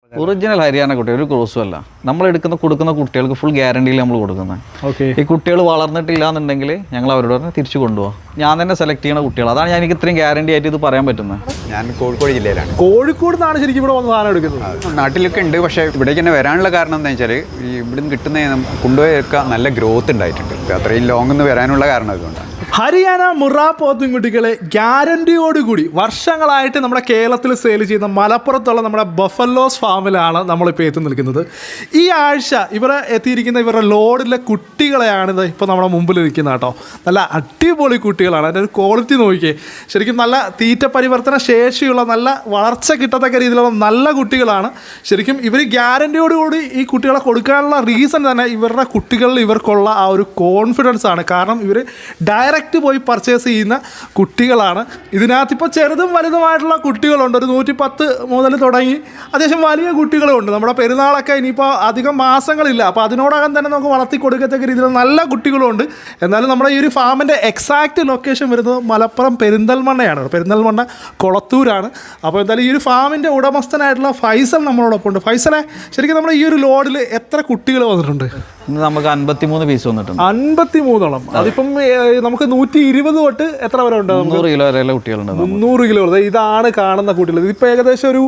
Original Haryana കുട്ടി ഒരു ക്രോസും അല്ല. നമ്മൾ കൊടുക്കുന്ന കുട്ടികൾക്ക് ഫുൾ ഗ്യാരണ്ടിയിൽ നമ്മൾ കൊടുക്കുന്നത്. ഈ കുട്ടികൾ വളർന്നിട്ടില്ല എന്നുണ്ടെങ്കിൽ ഞങ്ങൾ അവരോട് പറഞ്ഞാൽ തിരിച്ചു കൊണ്ടുപോകാം. ഞാൻ തന്നെ സെലക്ട് ചെയ്യുന്ന കുട്ടികൾ. അതാണ് എനിക്ക് ഇത്രയും ഗ്യാരണ്ടി ആയിട്ട് ഇത് പറയാൻ പറ്റുന്നത്. ഞാൻ കോഴിക്കോട് ജില്ലയിലാണ്. കോഴിക്കോട് നിന്നാണ് ശരിക്കും ഇവിടെ വന്ന് സാധനം എടുക്കുന്നത്. നാട്ടിലൊക്കെ ഉണ്ട്, പക്ഷേ ഇവിടേക്ക് തന്നെ വരാനുള്ള കാരണം എന്താ വെച്ചാൽ ഈ ഇവിടുന്ന് കിട്ടുന്ന കൊണ്ടുപോയൊക്കെ നല്ല ഗ്രോത്ത് ഉണ്ടായിട്ടുണ്ട്. അത്രയും ലോങ് നിന്ന് വരാനുള്ള കാരണം അതുകൊണ്ടാണ്. ഹരിയാന മുറ പോത്തുംകുട്ടികളെ ഗ്യാരണ്ടിയോടുകൂടി വർഷങ്ങളായിട്ട് നമ്മുടെ കേരളത്തിൽ സെയിൽ ചെയ്യുന്ന മലപ്പുറത്തുള്ള നമ്മുടെ ബഫലോസ് ഫാമിലാണ് നമ്മളിപ്പോൾ എത്തി നിൽക്കുന്നത്. ഈ ആഴ്ച ഇവരെ എത്തിയിരിക്കുന്ന ഇവരുടെ ലോഡിലെ കുട്ടികളെയാണിത് ഇപ്പോൾ നമ്മുടെ മുമ്പിൽ ഇരിക്കുന്നത് കേട്ടോ. നല്ല അടിപൊളി കുട്ടികളാണ്. അതിൻ്റെ ഒരു ക്വാളിറ്റി നോക്കിയേ. ശരിക്കും നല്ല തീറ്റ പരിവർത്തന ശേഷിയുള്ള നല്ല വളർച്ച കിട്ടത്തക്ക രീതിയിലുള്ള നല്ല കുട്ടികളാണ്. ശരിക്കും ഇവർ ഗ്യാരണ്ടിയോടുകൂടി ഈ കുട്ടികളെ കൊടുക്കാനുള്ള റീസൺ തന്നെ ഇവരുടെ കുട്ടികളിൽ ഇവർക്കുള്ള ആ ഒരു കോൺഫിഡൻസ് ആണ്. കാരണം ഇവർ ഡയറക്റ്റ് പോയി പർച്ചേസ് ചെയ്യുന്ന കുട്ടികളാണ്. ഇതിനകത്തിപ്പോൾ ചെറുതും വലുതുമായിട്ടുള്ള കുട്ടികളുണ്ട്. ഒരു 110 മുതൽ തുടങ്ങി അത്യാവശ്യം വലിയ കുട്ടികളുമുണ്ട്. നമ്മുടെ പെരുന്നാളൊക്കെ ഇനിയിപ്പോൾ അധികം മാസങ്ങളില്ല, അപ്പോൾ അതിനോടകം തന്നെ നമുക്ക് വളർത്തി കൊടുക്കത്തക്ക രീതിയിൽ നല്ല കുട്ടികളുമുണ്ട്. എന്നാലും നമ്മുടെ ഈ ഒരു ഫാമിൻ്റെ എക്സാക്റ്റ് ലൊക്കേഷൻ വരുന്നത് മലപ്പുറം പെരിന്തൽമണ്ണയാണ്. പെരിന്തൽമണ്ണ കൊളത്തൂരാണ്. അപ്പോൾ എന്തായാലും ഈ ഒരു ഫാമിൻ്റെ ഉടമസ്ഥനായിട്ടുള്ള ഫൈസൽ നമ്മളോടൊപ്പം ഉണ്ട്. ഫൈസലെ, ശരിക്കും നമ്മുടെ ഈ ഒരു ലോഡിൽ എത്ര കുട്ടികൾ വന്നിട്ടുണ്ട്? ഇന്ന് നമുക്ക് 53 പീസ് വന്നിട്ടുണ്ട്. 53ഓളം. അതിപ്പം നമുക്ക് 120 തൊട്ട് എത്ര വരെ ഉണ്ട്? 300 കിലോ വരെയുള്ള കുട്ടികളുണ്ട്. 300 കിലോ. ഇതാണ് കാണുന്ന കുട്ടികൾ. ഇതിപ്പോൾ ഏകദേശം ഒരു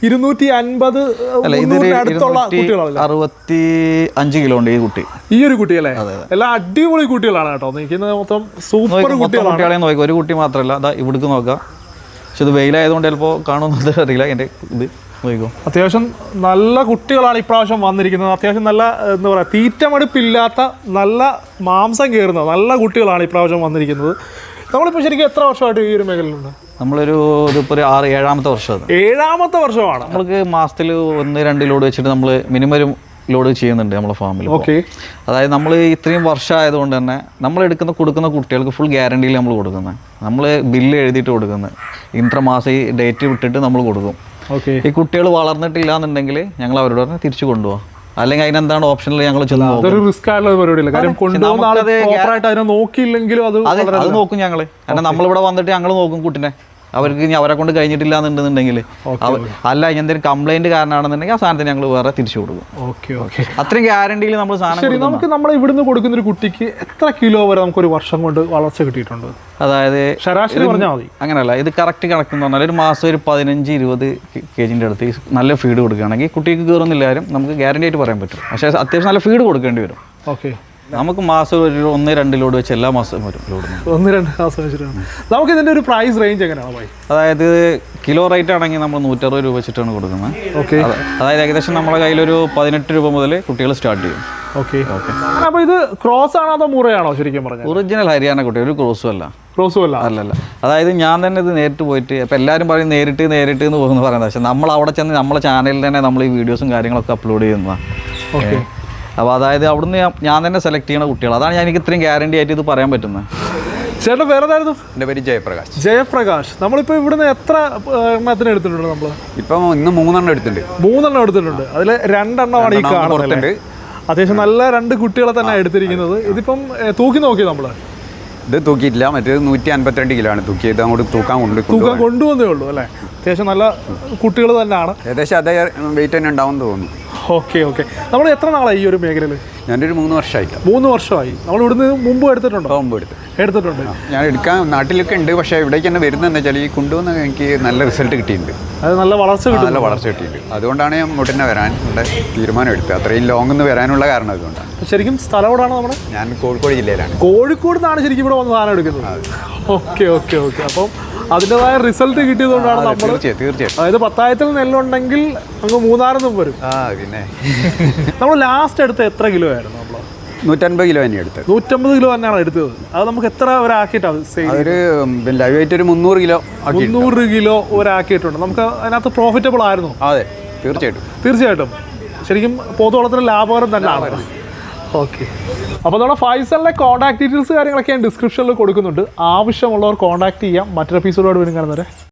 250 അടുത്തുള്ള കുട്ടികളാണ്. 65 കിലോ ഉണ്ട് ഈ കുട്ടി. ഈ ഒരു കുട്ടി അല്ലേ? എല്ലാം അടിപൊളി കുട്ടികളാണ് കേട്ടോ. നിൽക്കുന്നത് മൊത്തം സൂപ്പർ കുട്ടികളെ നോക്കാം. ഒരു കുട്ടി മാത്രമല്ല, അതാ ഇവിടേക്ക് നോക്കാം. പക്ഷെ ഇത് വെയിലായതുകൊണ്ട് ചിലപ്പോൾ കാണുമെന്നത് അറിയില്ല. എൻ്റെ ഇത് അത്യാവശ്യം നല്ല കുട്ടികളാണ് ഇപ്രാവശ്യം വന്നിരിക്കുന്നത്. അത്യാവശ്യം നല്ല എന്താ പറയുക, തീറ്റമടുപ്പില്ലാത്ത നല്ല മാംസം കയറുന്ന നല്ല കുട്ടികളാണ് ഇപ്രാവശ്യം വന്നിരിക്കുന്നത്. നമ്മളിപ്പോൾ ശരിക്കും എത്ര വർഷമായിട്ട് ഈ ഒരു മേഖലയിലുണ്ട്? നമ്മളൊരു ഇതിപ്പോൾ 7-ാമത്തെ വർഷമാണ്. 7ാമത്തെ വർഷമാണ്. നമ്മൾക്ക് മാസത്തിൽ 1-2 ലോഡ് വെച്ചിട്ട് നമ്മൾ മിനിമം ഒരു ലോഡ് ചെയ്യുന്നുണ്ട് നമ്മുടെ ഫാമിൽ. ഓക്കെ. അതായത് നമ്മൾ ഇത്രയും വർഷമായതുകൊണ്ട് തന്നെ നമ്മൾ കൊടുക്കുന്ന കുട്ടികൾക്ക് ഫുൾ ഗ്യാരണ്ടിയിൽ നമ്മൾ കൊടുക്കുന്നത്. നമ്മൾ ബില്ല് എഴുതിയിട്ട് കൊടുക്കുന്നത്. ഇൻട്രമാസം ഈ ഡേറ്റ് വിട്ടിട്ട് നമ്മൾ കൊടുക്കും. ഈ കുട്ടികൾ വളർന്നിട്ടില്ല എന്നുണ്ടെങ്കിൽ ഞങ്ങൾ അവരോട് പറഞ്ഞാൽ തിരിച്ചു കൊണ്ടുപോകാം. അല്ലെങ്കിൽ അതിനെന്താണ് ഓപ്ഷനിൽ ഞങ്ങൾ റിസ്ക് ആയിട്ടുള്ള പരിപാടിയില്ല. കാര്യം നോക്കിയില്ലെങ്കിലും അത് നോക്കും ഞങ്ങൾ. കാരണം നമ്മളിവിടെ വന്നിട്ട് ഞങ്ങൾ നോക്കും കുട്ടിനെ. അവർക്ക് അവരെ കൊണ്ട് കഴിഞ്ഞിട്ടില്ല എന്നുണ്ടെന്നുണ്ടെങ്കിൽ അല്ല എന്തെങ്കിലും കംപ്ലൈന്റ് കാരണമാണെന്നുണ്ടെങ്കിൽ ആ സാധനത്തിന് ഞങ്ങൾ വേറെ തിരിച്ചു കൊടുക്കും. അത്രയും ഗ്യാരണ്ടിയിൽ നമ്മൾ സാധനം. നമുക്ക് നമ്മൾ ഇവിടുന്ന് കൊടുക്കുന്ന ഒരു കുട്ടിക്ക് എത്ര കിലോ വരെ നമുക്കൊരു വർഷം കൊണ്ട് വളർച്ച കിട്ടിയിട്ടുണ്ട്? അതായത് ശരാശരി പറഞ്ഞാൽ മതി. അങ്ങനെയല്ല, ഇത് കറക്റ്റ് കണക്കെന്ന് പറഞ്ഞാൽ ഒരു മാസം ഒരു 15-20 kg അടുത്ത് നല്ല ഫീഡ് കൊടുക്കുകയാണെങ്കിൽ കുട്ടിക്ക് കയറുന്നില്ലാരും നമുക്ക് ഗ്യാരണ്ടി ആയിട്ട് പറയാൻ പറ്റും. പക്ഷേ അത്യാവശ്യം നല്ല ഫീഡ് കൊടുക്കേണ്ടി വരും. ഓക്കെ. നമുക്ക് മാസം ഒരു 1-2 ലോഡ് വെച്ച് എല്ലാ മാസവും വരും ലോഡ്. 1-2 മാസം വെച്ചിട്ടാണ്. നമുക്ക് ഇതിൻ്റെ ഒരു പ്രൈസ് റേഞ്ച് എങ്ങനെയാണ്? അതായത് കിലോ റേറ്റ് ആണെങ്കിൽ നമ്മൾ 160 രൂപ വെച്ചിട്ടാണ് കൊടുക്കുന്നത്. ഓക്കെ. അതായത് ഏകദേശം നമ്മുടെ കയ്യിലൊരു 18 രൂപ മുതൽ കുട്ടികൾ സ്റ്റാർട്ട് ചെയ്യും. ഓക്കെ. അപ്പോൾ ഇത് ക്രോസ് ആണോ അതോ മുറയാണോ? ശരിക്കും പറഞ്ഞാൽ ഒറിജിനൽ ഹരിയാന കുട്ടി, ഒരു ക്രോസും അല്ല. ക്രോസും അല്ല. അല്ലല്ല. അതായത് ഞാൻ തന്നെ ഇത് നേരിട്ട് പോയിട്ട് ഇപ്പം എല്ലാവരും പറയും നേരിട്ട് എന്ന് പോകുന്നു പറയുന്നത്. പക്ഷേ നമ്മൾ അവിടെ ചെന്ന് നമ്മളെ ചാനലിൽ തന്നെ നമ്മൾ ഈ വീഡിയോസും കാര്യങ്ങളൊക്കെ അപ്ലോഡ് ചെയ്യുന്നതാണ്. ഓക്കെ. അപ്പോൾ അതായത് അവിടുന്ന് ഞാൻ തന്നെ സെലക്ട് ചെയ്യുന്ന കുട്ടികൾ. അതാണ് എനിക്ക് ഇത്രയും ഗ്യാരണ്ടി ആയിട്ട് ഇത് പറയാൻ പറ്റുന്നത്. ചേട്ടൻ വേറെ ഏതായിരുന്നു? എൻ്റെ പേര് ജയപ്രകാശ്. ജയപ്രകാശ്. നമ്മളിപ്പോൾ ഇവിടുന്ന് എത്ര എണ്ണത്തിന് എടുത്തിട്ടുണ്ട്? നമ്മൾ ഇപ്പം ഇന്ന് 3 എടുത്തിട്ടുണ്ട്. 3 എടുത്തിട്ടുണ്ട്. അതിൽ 2 എണ്ണമാണ് ഈ കാണുന്നത്. അത്യാവശ്യം നല്ല 2 കുട്ടികളെ തന്നെ എടുത്തിരിക്കുന്നത്. ഇതിപ്പം തൂക്കി നോക്കി നമ്മൾ? ഇത് തൂക്കിയിട്ടില്ല. മറ്റേത് 152 കിലോ ആണ് തൂക്കിയത്. അങ്ങോട്ട് തൂക്കാൻ കൊണ്ടുവന്നേ ഉള്ളൂ അല്ലേ? അത്യാവശ്യം നല്ല കുട്ടികൾ തന്നെയാണ്. ഏകദേശം അതേ വെയിറ്റ് തന്നെ ഉണ്ടാവും തോന്നുന്നു. ഓക്കെ. ഓക്കെ. നമ്മൾ എത്ര നാളായി ഈ ഒരു മേഖലയിൽ? ഞാനൊരു 3 വർഷമായിട്ട്. 3 വർഷമായി. നമ്മൾ ഇവിടുന്ന് മുമ്പ് എടുത്തിട്ടുണ്ടോ? മുമ്പ് എടുത്തിട്ടുണ്ട്. ഞാൻ എടുക്കാൻ നാട്ടിലൊക്കെ ഉണ്ട്. പക്ഷേ ഇവിടേക്ക് തന്നെ വരുന്നത് എന്താ വെച്ചാൽ ഈ കൊണ്ടുവന്ന് എനിക്ക് നല്ല റിസൾട്ട് കിട്ടിയിട്ടുണ്ട്. അത് നല്ല വളർച്ച കിട്ടിയിട്ടുണ്ട്. അതുകൊണ്ടാണ് ഞാൻ ഇങ്ങോട്ട് തന്നെ വരാൻ തീരുമാനം എടുത്തത്. അത്രയും ലോങ് നിന്ന് വരാനുള്ള കാരണം അതുകൊണ്ടാണ്. ശരിക്കും സ്ഥലം എവിടെയാണ് നമ്മുടെ? ഞാൻ കോഴിക്കോട് ജില്ലയിലാണ്. കോഴിക്കോട് നിന്നാണ് ശരിക്കും ഇവിടെ വന്ന് സാധനം എടുക്കുന്നത്. ഓക്കെ. ഓക്കെ. ഓക്കെ. അപ്പം അതിൻ്റെതായ റിസൾട്ട് കിട്ടിയതുകൊണ്ടാണ് നമ്മൾ തീർച്ചയായിട്ടും. അതായത് 10,000 നെല്ലുണ്ടെങ്കിൽ അങ്ങ് 3,000 വരും. പിന്നെ നമ്മൾ ലാസ്റ്റ് എടുത്ത എത്ര കിലോ ആയിരുന്നു? നമ്മൾ 150 കിലോ തന്നെ എടുത്തത്. 150 കിലോ തന്നെയാണ് എടുത്തത്. അത് നമുക്ക് എത്ര ഒരാക്കിയിട്ടാണ്? ഒരു ലൈവ് ആയിട്ട് ഒരു 300 കിലോ 300 കിലോ ഒരാക്കിയിട്ടുണ്ട്. നമുക്ക് അതിനകത്ത് പ്രോഫിറ്റബിൾ ആയിരുന്നു. അതെ, തീർച്ചയായിട്ടും. ശരിക്കും പോത്തുവളത്തിന് ലാഭകരം തന്നെയാണ്. ഓക്കെ. അപ്പോൾ നമ്മുടെ ഫൈസലിൻ്റെ കോൺടാക്ട് ഡീറ്റെയിൽസ് കാര്യങ്ങളൊക്കെ ഞാൻ ഡിസ്ക്രിപ്ഷനിൽ കൊടുക്കുന്നുണ്ട്. ആവശ്യമുള്ളവർ കോൺടാക്ട് ചെയ്യാം. മറ്റൊരു എപ്പിസോഡോട് വീണ്ടും കാണുന്നവരെ